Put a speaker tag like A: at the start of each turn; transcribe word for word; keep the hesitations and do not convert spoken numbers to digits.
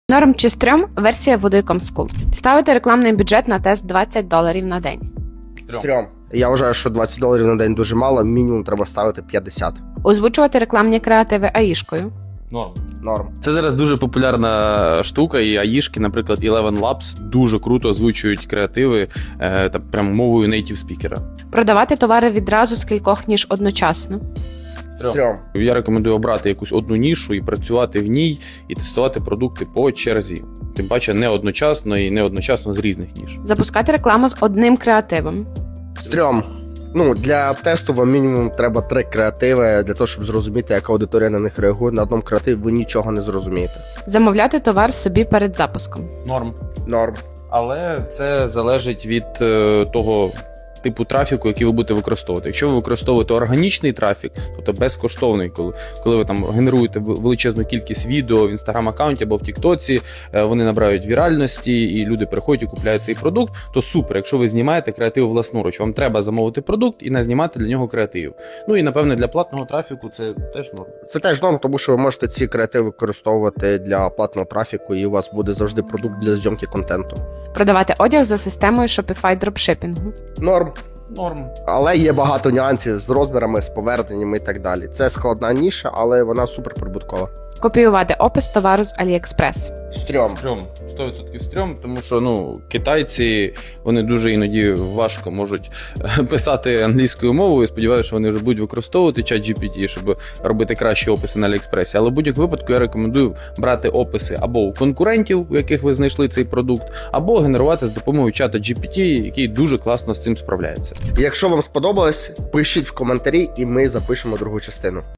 A: Норм чи стрьом – версія води точка ком School. Ставити рекламний бюджет на тест двадцять доларів на день.
B: Стрьом. Я вважаю, що двадцять доларів на день дуже мало, мінімум треба ставити п'ятдесят.
A: Озвучувати рекламні креативи аїшкою.
C: Норм.
B: Норм.
C: Це зараз дуже популярна штука, і аїшки, наприклад, Eleven Labs дуже круто озвучують креативи е, та прям мовою native спікера.
A: Продавати товари відразу з кількох ніж одночасно.
B: Стрьом.
C: Я рекомендую обрати якусь одну нішу і працювати в ній, і тестувати продукти по черзі. Тим паче не одночасно і не одночасно з різних ніж.
A: Запускати рекламу з одним креативом.
B: Стрьом. Ну, для тесту вам мінімум треба три креативи для того, щоб зрозуміти, яка аудиторія на них реагує. На одному креативі ви нічого не зрозумієте.
A: Замовляти товар собі перед запуском.
C: Норм.
B: Норм.
C: Але це залежить від е, того типу трафіку, який ви будете використовувати. Якщо ви використовуєте органічний трафік, тобто безкоштовний, коли, коли ви там генеруєте величезну кількість відео в інстаграм-аккаунті або в Тіктоці, е, вони набирають віральності і люди приходять і купляють цей продукт, то супер. Якщо ви знімаєте креатив власноруч, вам треба замовити продукт і не знімати для нього креатив. Ну і напевне для платного трафіку це теж норм.
B: Це теж норм, тому що ви можете ці креативи використовувати для платного трафіку, і у вас буде завжди продукт для зйомки контенту.
A: Продавати одяг за системою Shopify дропшипінгу.
B: Норм.
C: Норм.
B: Але є багато нюансів з розмірами, з поверненнями і так далі. Це складна ніша, але вона суперприбуткова.
A: Копіювати опис товару з AliExpress.
B: Стрьом.
C: Стрьом, сто відсотків стрьом, тому що ну китайці вони дуже іноді важко можуть писати англійською мовою. Сподіваюся, що вони вже будуть використовувати чат джі пі ті, щоб робити кращі описи на AliExpress. Але в будь-якому випадку я рекомендую брати описи або у конкурентів, у яких ви знайшли цей продукт, або генерувати з допомогою чата джі пі ті, який дуже класно з цим справляється.
B: Якщо вам сподобалось, пишіть в коментарі, і ми запишемо другу частину.